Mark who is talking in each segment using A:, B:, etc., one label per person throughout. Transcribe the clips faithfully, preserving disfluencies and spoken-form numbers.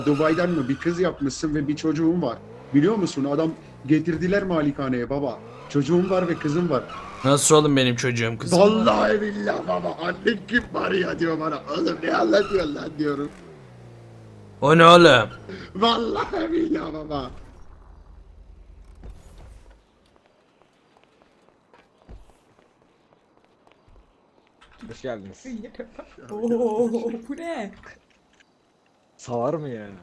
A: Dubai'den mi bir kız yapmışsın ve bir çocuğun var. Biliyor musun adam getirdiler malikaneye baba. Çocuğum var ve kızım var.
B: Nasıl oğlum benim çocuğum kızım?
A: Vallahi billahi baba annen kim var ya diyor bana. Oğlum ne anlatıyorsun lan diyorum.
B: O ne oğlum?
A: Vallahi billahi baba.
C: Hoş geldiniz.
D: Oo, bu ne?
C: Salar mı yani?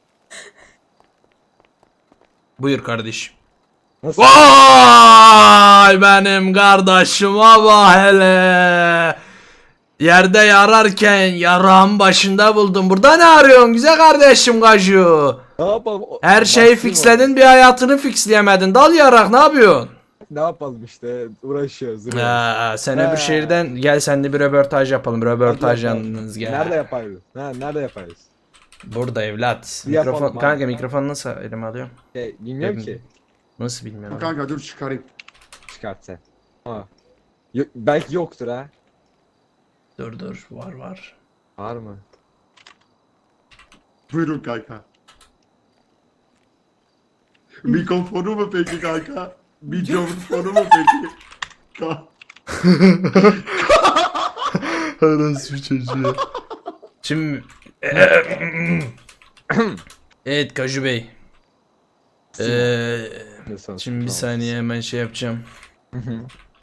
B: Buyur kardeşim.
C: Nasıl?
B: Vay benim kardeşime bak hele. Yerde yararken yarağın başında buldum. Burada ne arıyorsun güzel kardeşim Gaju?
C: Ne yapalım? O-
B: Her şeyi
C: Baktım
B: fixledin bir hayatını fixleyemedin. Dal yarak ne yapıyorsun?
C: o- Ne yapalım işte uğraşıyoruz. duruyoruz.
B: Ha, sen öbür
C: Ha.
B: şehirden gel sen de bir röportaj yapalım. Röportaj
C: Hadi yapalım.
B: yalnız gel.
C: Nerede yaparız? Ha, nerede yaparız?
B: Burada evlat.
C: Bir yapalım
B: Mikrofon,
C: abi.
B: kanka mikrofonu nasıl elime alıyorum?
C: Şey, bilmiyorum ki.
B: Nasıl bilmiyorum.
A: Kanka dur çıkarayım.
C: Çıkart sen. Ha. Yo- belki yoktur ha.
B: Dur dur var var.
C: Var mı?
A: Buyurun kanka. Mikrofonu mu peki kanka? Mikrofonu mu peki? Ka-
B: Nasıl bir çocuğu? Şimdi evet Kaju Bey. Ee,
C: Ne sonuç?
B: şimdi bir
C: Tamam.
B: saniye hemen şey yapacağım.
C: Hı hı.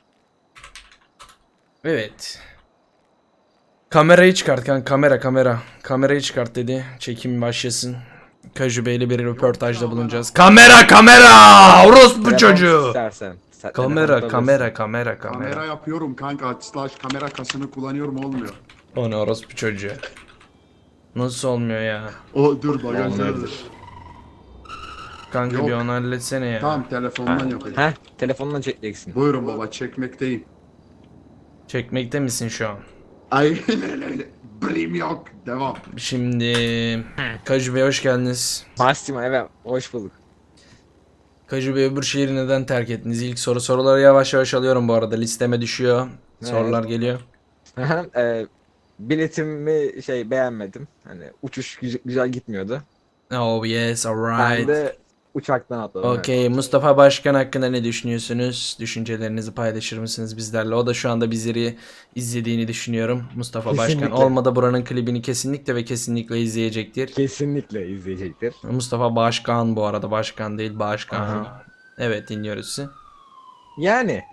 B: Evet. Kamerayı çıkart kanka kamera kamera. Kamerayı çıkart dedi. Çekim başlasın. Kaju Bey'le bir röportajda bulunacağız. Kamera kamera! Orospu
C: Telefon
B: çocuğu!
C: istersen. Sen-
B: Kamera
C: telefon
B: kamera kamera
A: Kamera
B: kamera.
A: yapıyorum kanka. Slash kamera kasını kullanıyorum olmuyor.
B: O ne orospu çocuğu? Nasıl olmuyor ya?
A: O dur bagajdadır.
C: Olmayabilir.
B: Kanka
A: Yok.
B: bir onu halletsene ya.
A: Tamam telefondan
C: Ha.
A: yapayım.
C: Heh, telefonla çekeceksin.
A: Buyurun baba çekmekteyim.
B: Çekmekte misin şu an?
A: Aynen öyle. Blim yok. Devam.
B: Şimdi Kaju Bey hoş geldiniz.
C: Massimo evet hoş bulduk.
B: Kaju Bey öbür şehri neden terk ettiniz? İlk soru soruları yavaş yavaş alıyorum bu arada. Listeme düşüyor. Sorular geliyor.
C: e, biletimi şey beğenmedim. Hani uçuş güzel, güzel gitmiyordu.
B: Oh yes
C: Ben
B: alright.
C: de uçaktan atladım.
B: Okey Mustafa Başkan hakkında ne düşünüyorsunuz? Düşüncelerinizi paylaşır mısınız bizlerle? O da şu anda bizleri izlediğini düşünüyorum. Mustafa Başkan
C: Kesinlikle.
B: olmadı buranın klibini kesinlikle ve kesinlikle izleyecektir.
C: Kesinlikle izleyecektir.
B: Mustafa Başkan bu arada başkan değil başkan.
C: Aha.
B: Evet dinliyoruz sizi.
C: Yani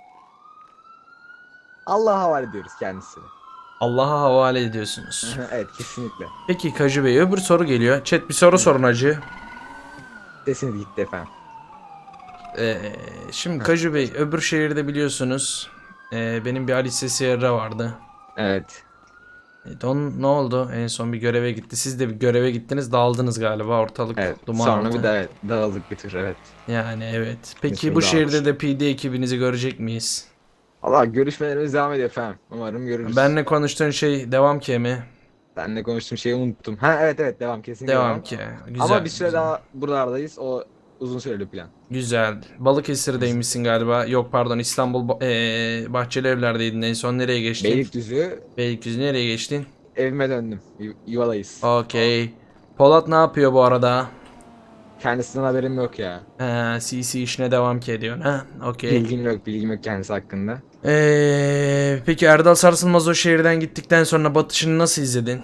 C: Allah'a havale ediyoruz kendisini.
B: Allah'a havale ediyorsunuz.
C: evet kesinlikle.
B: Peki Kaju Bey öbür soru geliyor. Chat bir soru sorun hacı.
C: Sesiniz gitti efendim.
B: Ee, şimdi Kaju Bey öbür şehirde biliyorsunuz ee, benim bir Alice Sierra vardı.
C: Evet.
B: Evet, onun ne oldu? En son bir göreve gitti. Siz de bir göreve gittiniz dağıldınız galiba ortalık
C: Evet.
B: duman
C: Sonra
B: oldu.
C: bir de evet, dağıldık bir tür evet.
B: Yani evet. Peki
C: İsmi
B: bu
C: dağılmış.
B: şehirde de P D ekibinizi görecek miyiz?
C: Allah görüşmelerimiz devam ediyor efendim. Umarım görürüz.
B: Benle konuştuğun şey devam ki mi?
C: Benle konuştuğum şeyi unuttum. Ha evet evet devam kesinlikle
B: Devam ki. Güzel.
C: Ama bir süre
B: güzel.
C: daha buralardayız. O uzun süreli plan.
B: Güzel. Balıkesir'deymişsin galiba. Yok pardon İstanbul ba- ee, Bahçeli Evler'deydin en son nereye geçtin?
C: Beylikdüzü
B: Beylikdüzü nereye geçtin?
C: evime döndüm. Yu- Yuvalayız.
B: Okey. Polat ne yapıyor bu arada?
C: Kendisinden haberim yok ya.
B: He, C C işine devam ki ediyorsun ha? Okey.
C: Bilgim yok, bilgim yok kendisi hakkında.
B: Ee, peki Erdal Sarsılmaz o şehirden gittikten sonra batışını nasıl izledin?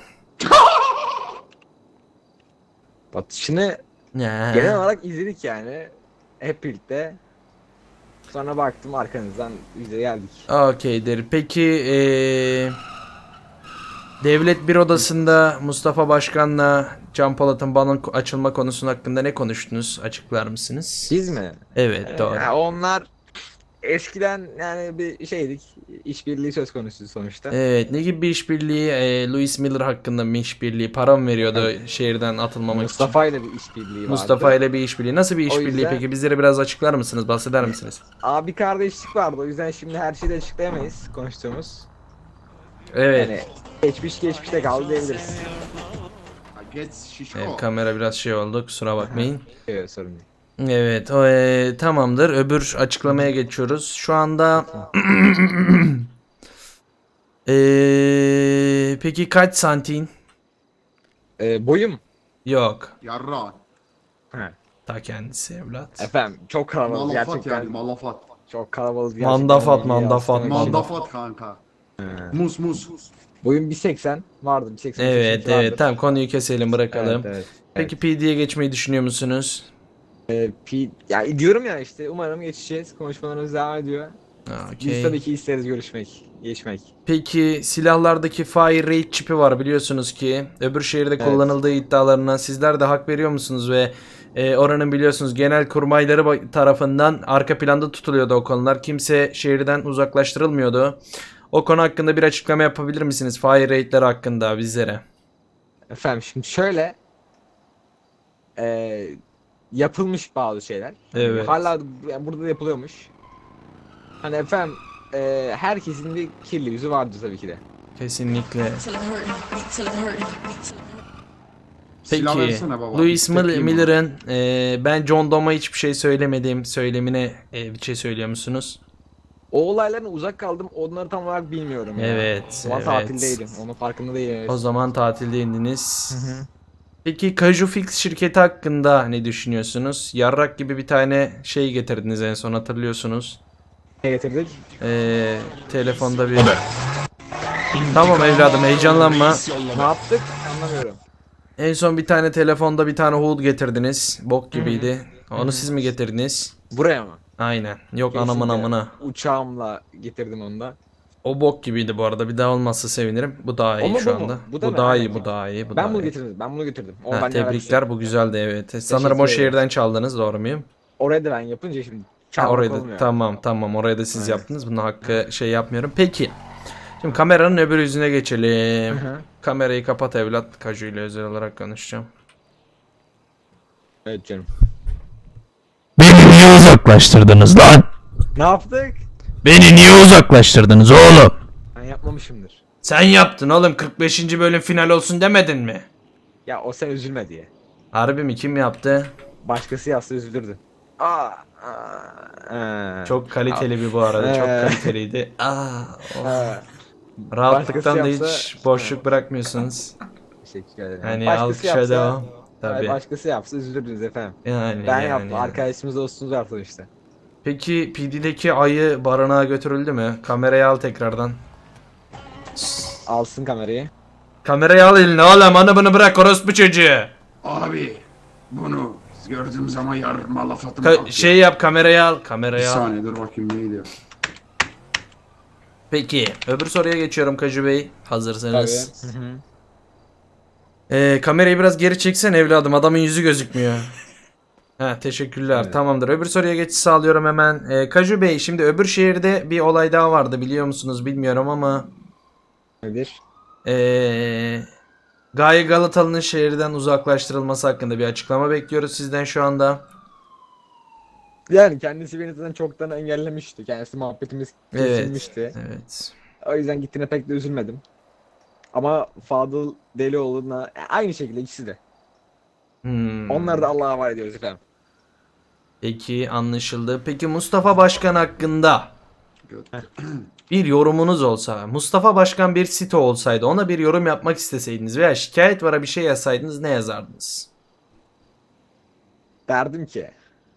C: Batışını
B: Ya.
C: genel olarak izledik yani. Hep birlikte. Sonra baktım arkanızdan biz de geldik.
B: Okeydir. Peki ee, devlet bir odasında Mustafa Başkan'la Can Polat'ın balon açılma konusu hakkında ne konuştunuz? Açıklar mısınız?
C: Biz mi?
B: Evet doğru.
C: Ya onlar eskiden yani bir şeydik. İşbirliği söz konusu sonuçta.
B: Evet ne gibi bir işbirliği? Ee, Louis Miller hakkında mı işbirliği? Para mı veriyordu şehirden atılmamak için?
C: Mustafa ile bir işbirliği vardı.
B: Mustafa ile bir işbirliği. Nasıl bir
C: O
B: işbirliği
C: yüzden-
B: peki? Bizlere biraz açıklar mısınız? Bahseder misiniz?
C: Abi kardeşlik vardı. O yüzden şimdi her şeyi de açıklayamayız konuştuğumuz.
B: Evet.
C: Yani geçmiş geçmişte kaldı diyebiliriz.
A: Ha, Geç şişko.
B: Evet, kamera biraz şey oldu. Kusura bakmayın.
C: Evet sorun değil.
B: Evet, o e, tamamdır. Öbür açıklamaya geçiyoruz. Şu anda e, peki kaç santin?
C: Ee, boyum
B: Yok.
A: Yarra.
C: He.
B: Ta kendisi evlat.
C: Efendim çok kalabalık
A: Malafat
C: gerçekten.
A: yani malafat.
C: Çok kalabalık gerçekten.
B: Mandafat,
C: İyi
B: mandafat,
C: yansıtmak için.
A: Mandafat kanka.
C: He.
A: Mus mus.
C: Boyum bir seksen vardı. bir seksen
B: Evet
C: vardır.
B: evet tamam konuyu keselim bırakalım.
C: Evet, evet.
B: Peki P D'ye geçmeyi düşünüyor musunuz?
C: Ee, P- ya diyorum ya işte umarım geçeceğiz. Konuşmalarımız devam ediyor.
B: Ha,
C: Biz
B: okey.
C: tabii ki isteriz görüşmek, geçmek.
B: Peki silahlardaki Fire Rate çipi var biliyorsunuz ki. Öbür şehirde
C: Evet.
B: kullanıldığı iddialarına sizler de hak veriyor musunuz ve e, oranın biliyorsunuz genel kurmayları ba- tarafından arka planda tutuluyordu o konular. Kimse şehirden uzaklaştırılmıyordu. O konu hakkında bir açıklama yapabilir misiniz? Fire Rate'ler hakkında bizlere.
C: Efendim şimdi şöyle e, yapılmış bazı şeyler. Hani
B: Evet.
C: hala yani burada da yapılıyormuş. Hani efendim e, herkesin bir kirli yüzü vardır tabii ki de.
B: Kesinlikle.
E: Till it hurt, till it hurt, till it hurt.
A: Silah
B: Peki
A: versene baba.
B: Louis Mil-
A: Tekeyim
B: Miller'ın e, ben John Dome'a hiçbir şey söylemedim söylemine e, bir şey söylüyor musunuz?
C: O olaylardan uzak kaldım. Onları tam olarak bilmiyorum ya.
B: Evet,
C: O zaman
B: evet.
C: tatildeydim. Onun farkında değilim.
B: O zaman tatilde indiniz. Peki Cajufix şirketi hakkında ne düşünüyorsunuz? Yarrak gibi bir tane şey getirdiniz en son hatırlıyorsunuz.
C: Ne getirdik?
B: Ee, telefonda bir... Tamam evladım heyecanlanma.
C: Ne yaptık? Anlamıyorum.
B: En son bir tane telefonda bir tane Hood getirdiniz. Bok gibiydi. Onu siz mi getirdiniz?
C: Buraya mı?
B: Aynen. Yok anamın
C: Kesinlikle.
B: amına.
C: Uçağımla getirdim onu da.
B: O bok gibiydi bu arada. Bir daha olmazsa sevinirim. Bu daha iyi
C: O mu,
B: şu
C: bu mu?
B: anda.
C: Bu
B: Bu,
C: da mı?
B: daha iyi,
C: Aynen.
B: bu daha iyi, bu
C: Ben
B: daha
C: bunu
B: iyi.
C: getirdim. Ben bunu getirdim. O
B: Ha,
C: benimle alakası
B: tebrikler
C: yok.
B: bu güzeldi evet. Sanırım o
C: ederim.
B: şehirden çaldınız doğru muyum?
C: Oraya da ben yapınca şimdi
B: Ha,
C: çalmak
B: orayı da
C: olmuyor.
B: tamam tamam orayı da siz
C: Evet.
B: yaptınız. Bunun hakkı şey yapmıyorum. Peki. Şimdi kameranın öbür yüzüne geçelim.
C: Hı hı.
B: Kamerayı kapat evlat. Kaju ile özel olarak konuşacağım.
C: Evet canım.
F: Beni niye uzaklaştırdınız lan?
C: Ne yaptık?
F: Beni niye uzaklaştırdınız oğlum?
C: Ben yapmamışımdır.
B: Sen yaptın oğlum kırk beşinci bölüm final olsun demedin mi?
C: Ya o sen üzülme diye.
B: Harbi mi kim yaptı?
C: Başkası yazsa üzülürdü. Aa, aa,
B: Çok kaliteli bir bu arada. Çok
C: Ee.
B: kaliteliydi. Aa, oh.
C: aa.
B: Rahatlıktan da
C: Başkası
B: hiç
C: yapsa-
B: boşluk bırakmıyorsunuz.
C: Teşekkür ederim.
B: Hani
C: Başkası
B: alkışa
C: yapsa-
B: devam.
C: Hayır,
B: Tabii.
C: başkası yapsa üzülürdünüz efendim.
B: Yani,
C: Ben
B: yani,
C: yaptım.
B: yani.
C: Arkadaşımız dostumuz yaptı işte.
B: Peki P D'deki ayı barınağa götürüldü mü? Kamerayı al tekrardan.
C: Alsın kamerayı.
B: Kamerayı al eline oğlum onu bunu bırak orospu çocuğu.
A: Abi bunu gördüğüm zaman yarın malafatım
B: Ka-
A: kalkıyor.
B: şey yap kamerayı al.
A: Bir
B: Kamerayı al.
A: saniye dur bakayım neydi?
B: Peki öbür soruya geçiyorum Kaju Bey. Hazırsanız.
C: Tabii. Hı hı.
B: Ee, kamerayı biraz geri çeksen evladım adamın yüzü gözükmüyor. Ha teşekkürler
C: Evet.
B: tamamdır. Öbür soruya geçiş sağlıyorum hemen. Ee, Kaju Bey şimdi öbür şehirde bir olay daha vardı biliyor musunuz bilmiyorum ama.
C: Nedir?
B: Ee, Gaye Galatalı'nın şehirden uzaklaştırılması hakkında bir açıklama bekliyoruz sizden şu anda.
C: Yani kendisi beni zaten çoktan engellemişti. Kendisi muhabbetimiz
B: Evet.
C: kesilmişti.
B: Evet.
C: O yüzden gittiğine pek de üzülmedim. Ama Fadıl Delioğlu'na aynı şekilde ikisi de.
B: Hmm.
C: Onları da Allah'a havale ediyoruz efendim.
B: Peki anlaşıldı. Peki Mustafa Başkan hakkında
A: Gö-
B: bir yorumunuz olsa, Mustafa Başkan bir site olsaydı ona bir yorum yapmak isteseydiniz veya şikayet vara bir şey yazsaydınız ne yazardınız?
C: Derdim ki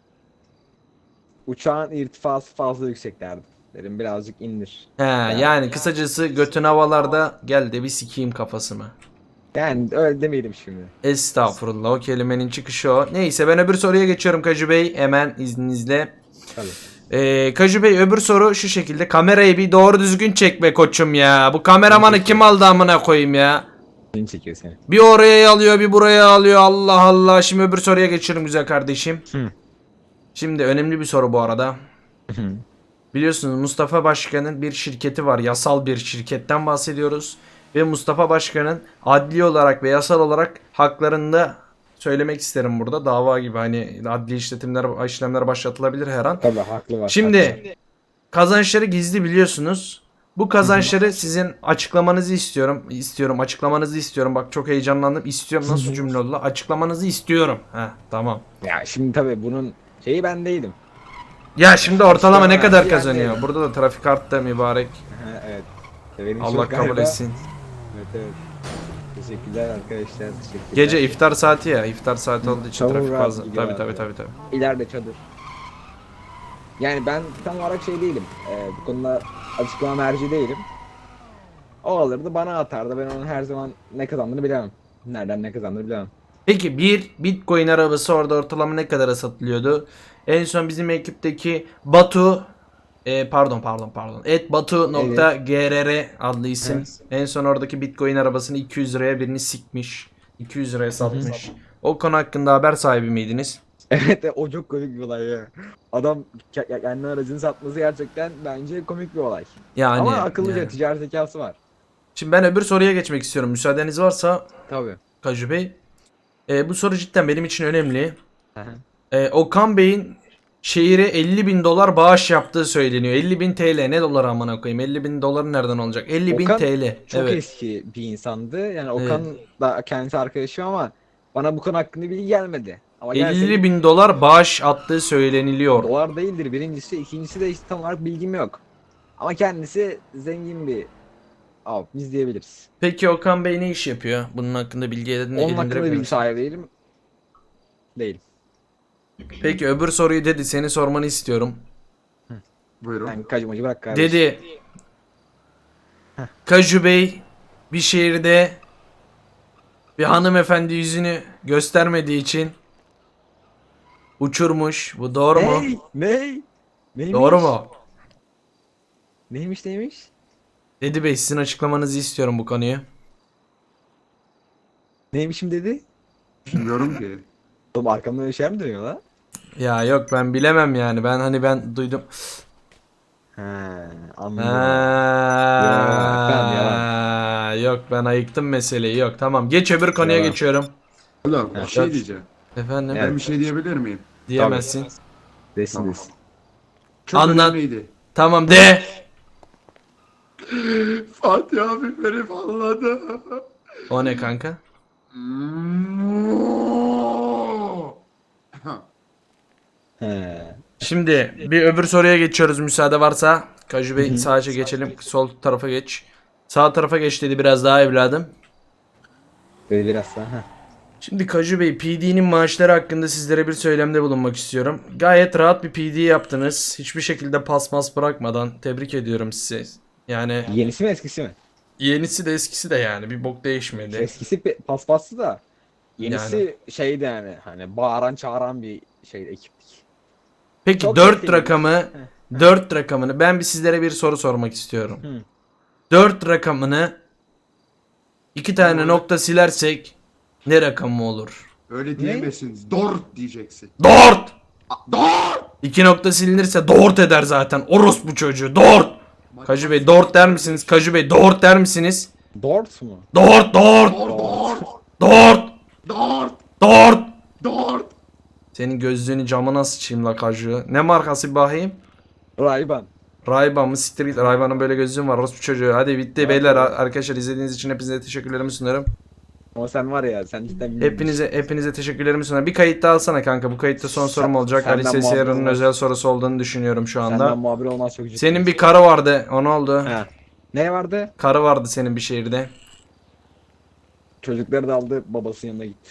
C: uçağın irtifası fazla yüksek derdim. Dedim birazcık indir.
B: He, yani kısacası götün havalarda gel de bir sikeyim kafasını.
C: Yani öyle demeyelim şimdi.
B: Estağfurullah o kelimenin çıkışı o. Neyse ben öbür soruya geçiyorum Kaju Bey hemen izninizle.
C: Tabii.
B: Ee, Kaju Bey öbür soru şu şekilde kamerayı bir doğru düzgün çekme koçum ya. Bu kameramanı kim aldı amına koyayım ya.
C: Seni çekiyor seni.
B: Bir oraya alıyor bir buraya alıyor Allah Allah. Şimdi öbür soruya geçiyorum güzel kardeşim.
C: Hı.
B: Şimdi önemli bir soru bu arada. Biliyorsunuz Mustafa Başkan'ın bir şirketi var. Yasal bir şirketten bahsediyoruz. Ve Mustafa Başkan'ın adli olarak ve yasal olarak haklarında söylemek isterim burada. Dava gibi hani adli işletimler, işlemler başlatılabilir her an.
C: Tabii haklı var.
B: Şimdi kazançları gizli biliyorsunuz. Bu kazançları sizin açıklamanızı istiyorum. İstiyorum açıklamanızı istiyorum. Bak çok heyecanlandım. İstiyorum nasıl cümle oldu? la? Açıklamanızı istiyorum. Heh, tamam.
C: Ya şimdi tabii bunun şeyi ben değilim.
B: Ya şimdi ortalama ne kadar
C: Yani-
B: kazanıyor? Burada da trafik arttı mübarek.
C: Ha, evet. Benim
B: Allah
C: çok
B: kabul
C: galiba-
B: etsin.
C: Evet evet. Teşekkürler arkadaşlar. Teşekkürler.
B: Gece iftar saati ya. İftar saati olduğu için
C: Çamur
B: trafik
C: rahat
B: fazla.
C: gidiyor
B: Tabii tabii
C: abi.
B: tabii tabii.
C: İleride çadır. Yani ben tam olarak şey değilim. Ee, bu konuda açıklama merci değilim. O alırdı bana atardı. Ben onun her zaman ne kazandığını bilemem. Nereden ne kazandığını bilemem.
B: Peki bir Bitcoin arabası orada ortalama ne kadara satılıyordu? En son bizim ekipteki Batu e, pardon pardon pardon et batu.grr adlı isim.
C: Evet.
B: En son oradaki Bitcoin arabasını iki yüz liraya birini sikmiş. iki yüz liraya satmış. O konu hakkında haber sahibi miydiniz?
C: Evet o çok komik bir olay ya. Adam ke- kendi aracını satması gerçekten bence komik bir olay.
B: Yani
C: Ama akıllıca
B: yani.
C: ticaret zekası var.
B: Şimdi ben öbür soruya geçmek istiyorum. Müsaadeniz varsa
C: Tabii.
B: Kaju Bey. E, bu soru cidden benim için önemli. E, Okan Bey'in şehire elli bin dolar bağış yaptığı söyleniyor. elli bin T L ne dolar amına koyayım? elli bin dolar nereden olacak? elli bin
C: Okan
B: T L.
C: Çok
B: Evet.
C: eski bir insandı. Yani Okan da kendisi arkadaşım ama bana bu konu hakkında bilgi gelmedi. Ama
B: elli bin dolar bağış attığı söyleniliyor.
C: dolar değildir birincisi. İkincisi de işte tam olarak bilgim yok. Ama kendisi zengin bir abimiz diyebiliriz.
B: Peki Okan Bey ne iş yapıyor? Bunun hakkında bilgi edin.
C: Onun hakkında
B: edindirebilir
C: bilgi
B: misin?
C: sahibi değilim. Değilim.
B: Peki öbür soruyu dedi seni sormanı istiyorum.
A: Buyurun.
C: Ben kacımacı bırak kardeşim.
B: Dedi Kaju Bey bir şehirde bir hanımefendi yüzünü göstermediği için uçurmuş. Bu doğru mu?
C: Ney? Ney? Neymiş?
B: Doğru mu?
C: Neymiş neymiş?
B: Dedi Bey sizin açıklamanızı istiyorum bu konuyu.
C: Neymişim dedi?
A: Bilmiyorum ki.
C: Oğlum arkamdan öyle şey mi dönüyor lan?
B: Ya yok ben bilemem yani. Ben hani ben duydum.
C: He anladım.
B: Ha,
C: tamam,
B: yok ben ayıktım meseleyi. Yok tamam. Geç öbür konuya
C: Yalan.
B: geçiyorum.
A: Oğlum bir şey
B: Evet.
A: diyeceğim.
B: Efendim
C: Evet.
A: Ben bir şey diyebilir miyim?
B: diyemezsin.
C: Desin
A: Tamam.
C: desin.
A: Çok
B: Anlat.
A: önemliydi.
B: Tamam de.
A: Fatih abi beni falladı.
B: O ne kanka?
C: He.
B: Şimdi bir öbür soruya geçiyoruz müsaade varsa. Kaju Bey sağa geçelim. Sol tarafa geç. Sağ tarafa geç dedi biraz daha evladım.
C: Böyle biraz daha. Heh.
B: Şimdi Kaju Bey P D'nin maaşları hakkında sizlere bir söylemde bulunmak istiyorum. Gayet rahat bir P D yaptınız. Hiçbir şekilde pasmas bırakmadan tebrik ediyorum sizi. Yani
C: Yenisi mi eskisi mi?
B: yenisi de eskisi de yani bir bok değişmedi.
C: Eskisi pe- paspaslı da yenisi şeydi yani hani bağıran çağıran bir şey ekiptik.
B: Peki
C: Çok
B: dört
C: etkili.
B: rakamı dört rakamını ben bir sizlere bir soru sormak istiyorum.
C: Hı.
B: dört rakamını iki tane nokta silersek ne rakamı olur?
A: Öyle diyemezsin. Dort diyeceksin.
B: Dört!
A: Dort!
B: İki nokta silinirse dört eder zaten. Orospu çocuğu. Dört! Kaju Bey dört der misiniz? Kaju Bey dört der misiniz?
C: Dort mu?
B: Dört dört!
A: Dort! Dort!
B: Dört!
A: Dort!
B: Dört!
A: Dort!
B: Senin gözlüğünü camına sıçayım la Kaju. Ne markası bakayım?
C: Rayban.
B: Ray-Ban mı? Siktir git. Ray-Ban'ın böyle gözlüğüm var. Orospu çocuğu. Hadi bitti beyler. Arkadaşlar izlediğiniz için hepinize teşekkürlerimi sunarım.
C: Ama sen var ya sen cidden bilmiyorsun.
B: Hepinize hepinize teşekkürlerimi sunarım. Bir kayıt daha alsana kanka. Bu kayıtta son sorum olacak.
C: Senden
B: Ali Sesiyar'ın
C: muhabbet
B: özel sorusu olduğunu düşünüyorum şu anda.
C: Senden muhabir olmaz çok ciddi.
B: Senin bir karı vardı. O ne oldu?
C: He. Ne vardı?
B: Karı vardı senin bir şehirde.
C: Çocukları da aldı babasının yanına gitti.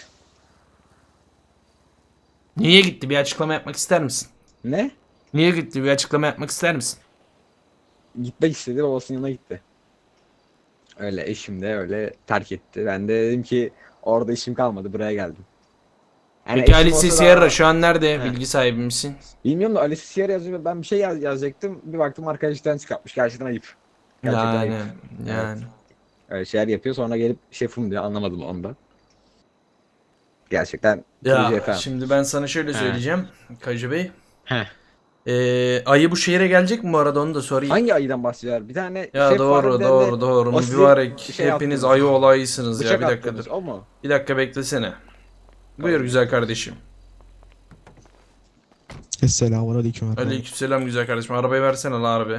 B: Niye gitti? Bir açıklama yapmak ister misin?
C: Ne?
B: Niye gitti? Bir açıklama yapmak ister misin?
C: Gitmek istedi babasının yanına gitti. Öyle eşim de öyle terk etti. Ben de dedim ki orada işim kalmadı buraya geldim. Yani
B: Peki
C: eşim
B: Ali
C: olsa
B: Sesiyar
C: daha-
B: şu an nerede?
C: He.
B: Bilgi sahibi misin?
C: Bilmiyorum da Ali Siyar yazıyor. Ben bir şey yaz yazacaktım. Bir baktım arkadaştan çıkartmış. Gerçekten ayıp. Gerçekten
B: Yani
C: ayıp.
B: yani.
C: Öyle şeyler yapıyor. Sonra gelip şefim diyor. Anlamadım onu da. Gerçekten
B: Ya
C: kırıcı efendim.
B: şimdi ben sana şöyle
C: He.
B: söyleyeceğim. Kayıcı Bey.
C: Heh.
B: Ee, ayı bu şehire gelecek mi bu arada onu da sorayım.
C: Hangi ayıdan bahsediyor? Bir tane
B: Ya
C: şef var,
B: doğru
C: bir tane
B: doğru
C: de
B: doğru.
C: o size
B: Mübarek.
C: şey
B: Hepiniz
C: attınız.
B: ayı olaysınız ya.
C: Bıçak
B: Bir dakika
C: attınız.
B: dur.
C: O mu?
B: Bir dakika beklesene. Buyur güzel kardeşim.
G: Esselamun aleyküm efendim.
B: Aleykümselam güzel kardeşim. Arabayı versene la arabayı.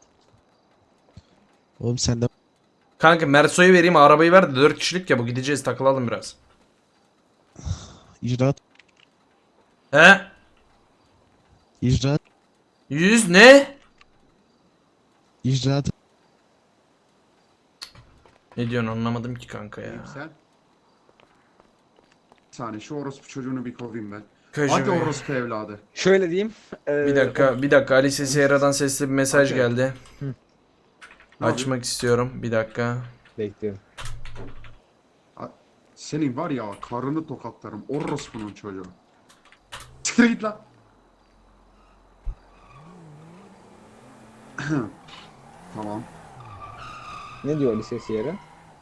G: Oğlum sen de
B: Kanka Merso'yu vereyim arabayı ver de dört kişilik ya bu gideceğiz takılalım biraz.
G: icraat,
B: He?
G: icraat,
B: yüz ne?
G: icraat.
B: Ne diyorsun anlamadım ki kanka ya.
A: İyiyim sen. Bir saniye şu orospu çocuğunu bir kovayım ben.
B: Köşe
A: Hadi
B: Bey.
A: orospu evladı.
C: Şöyle diyeyim. e,
B: Bir dakika, bir dakika. Alice Sierra'dan sesli bir mesaj
A: Okey.
B: geldi.
A: Ne
B: Açmak istiyorum. Bir dakika.
C: Bekliyorum.
A: Senin var ya karını tokatlarım orospunun çocuğu. Çıkır git lan. Tamam.
C: Ne diyor Alice Sierra?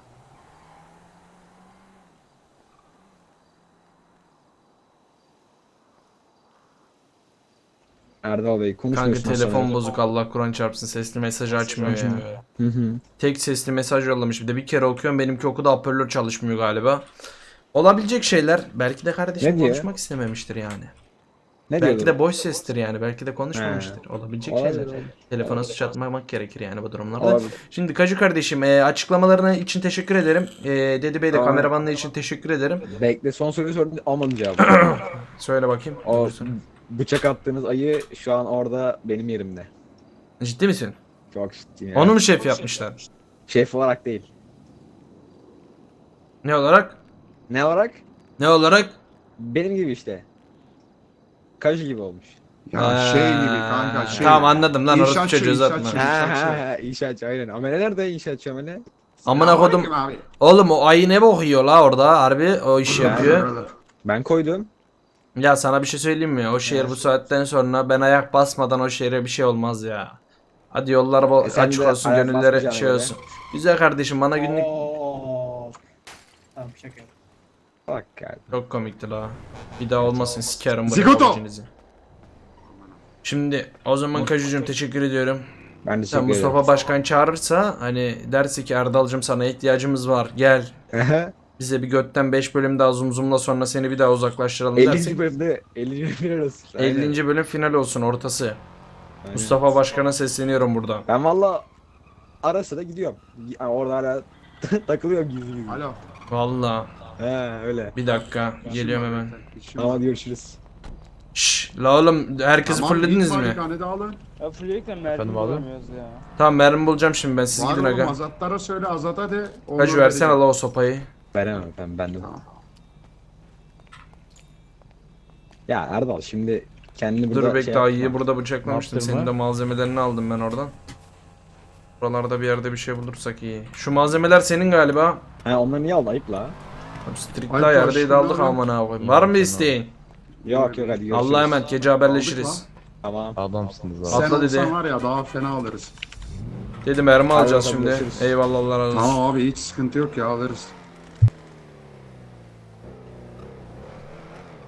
C: Erdal Bey
B: Kanka
C: konuşmuyorsun.
B: telefon bozuk, Allah Kur'an çarpsın, sesli mesaj açmıyor ya.
C: Hı hı.
B: Tek sesli mesaj yollamış, bir de bir kere okuyorum, benimki okuda hoparlör çalışmıyor galiba. Olabilecek şeyler, belki de kardeşim
C: Ne diyor?
B: konuşmak istememiştir yani.
C: Ne
B: Belki
C: diyor?
B: de boş sestir yani, belki de konuşmamıştır. Olabilecek
C: Olabilir,
B: şeyler.
C: olabilir.
B: Telefona suç atmamak gerekir yani bu durumlarda.
C: Olabilir.
B: Şimdi Kaju kardeşim, e, açıklamalarına için teşekkür ederim. E, Dedi Bey de
C: Aa.
B: kameramanlığı için teşekkür ederim.
C: Bekle son soruyu sordum almadım cevabı.
B: Söyle bakayım.
C: O
B: Buyursun.
C: bıçak attığınız ayı şu an orada benim yerimde.
B: Ciddi misin?
C: Çok ciddiyim yani.
B: Onu mu şef yapmışlar?
C: Şef olarak değil.
B: Ne olarak?
C: Ne olarak?
B: Ne olarak?
C: Benim gibi işte. Kaju gibi olmuş.
A: Ya
B: Ee,
A: şey gibi kanka şey.
B: Tamam anladım lan, orası
A: İnşaatçı,
B: çocuğu uzatma.
A: inşaatçı.
C: Ha
A: İnşaatçı.
C: ha ha inşaatçı aynen. Amele nerede inşaatçı amele?
B: Amına kodum.
A: Selamünaleyküm abi.
B: Oğlum o ayı ne bokuyor la orada, harbi o iş yapıyor.
A: Brother.
C: Ben koydum.
B: Ya sana bir şey söyleyeyim mi? O şehir bu saatten sonra ben ayak basmadan o şehre bir şey olmaz ya. Hadi yollar bol
C: E sen
B: açık
C: de
B: olsun,
C: ayak
B: gönülleri
C: basmayacaksın
B: şey
C: öyle.
B: olsun. Güzel kardeşim, bana günlük
D: Tamam şaka yap.
C: Bak yani.
B: çok komikti la. Bir daha olmasın, sikerim bu
A: Zigoto!
B: rekabetinizi. Şimdi o zaman Kajucuğum teşekkür ediyorum.
C: Ben de
B: Sen Mustafa Başkan çağırırsa, hani derse ki Erdal'cım sana ihtiyacımız var, gel.
C: Başkan.
B: Bize bir götten beş bölüm daha zumzumla, sonra seni bir daha uzaklaştıralım
C: ellinci
B: dersek.
C: bölümde ellinci bölüm arası. Aynen.
B: ellinci bölüm final olsun, ortası.
C: Aynen.
B: Mustafa Başkan'a sesleniyorum buradan.
C: Ben valla ara sıra gidiyorum. Yani orada hala takılıyorum gizli gizli.
A: Alo.
B: Valla
C: He öyle.
B: bir dakika geliyorum hemen.
A: İşim var.
C: Tamam görüşürüz.
B: Şşş la oğlum, herkesi
A: Tamam,
B: fullediniz
A: ilk
B: mi?
A: malikanede alın.
H: Ya Flick'le mermi bulamıyoruz ya.
B: Tamam, mermi bulacağım şimdi ben, siz
A: Var
B: gidin
A: oğlum
B: aga.
A: Azatlara söyle Azat'a de. onu
B: Kaju versene
A: vereceğim.
B: la o sopayı.
C: Veremem ben ben de.
A: Tamam.
C: Ya Erdal şimdi kendini burada
B: Dur bekle,
C: şey
B: ayıyı
C: yapma.
B: burada bıçaklamıştım. Senin de malzemelerini aldım ben oradan. Buralarda bir yerde bir şey bulursak iyi. Şu malzemeler senin galiba.
C: Ha onları niye aldın ayıp la?
B: Abi Strict
A: Ay,
B: daha yerdeydi,
A: karşımda
B: aldık
A: adam.
B: amına koyayım. Var mı isteğin?
C: Yok yok hadi görüşürüz.
B: Allah'a emanet, gece haberleşiriz.
C: Tamam.
G: Adamsınız abi.
A: Sen
B: Atla
A: olsan
B: dedi.
A: var ya daha fena alırız.
B: Dedim mermi alacağız
C: bakalım,
B: şimdi.
C: görüşürüz.
B: Eyvallah, Allah razı olsun.
A: Tamam abi hiç sıkıntı yok ya alırız.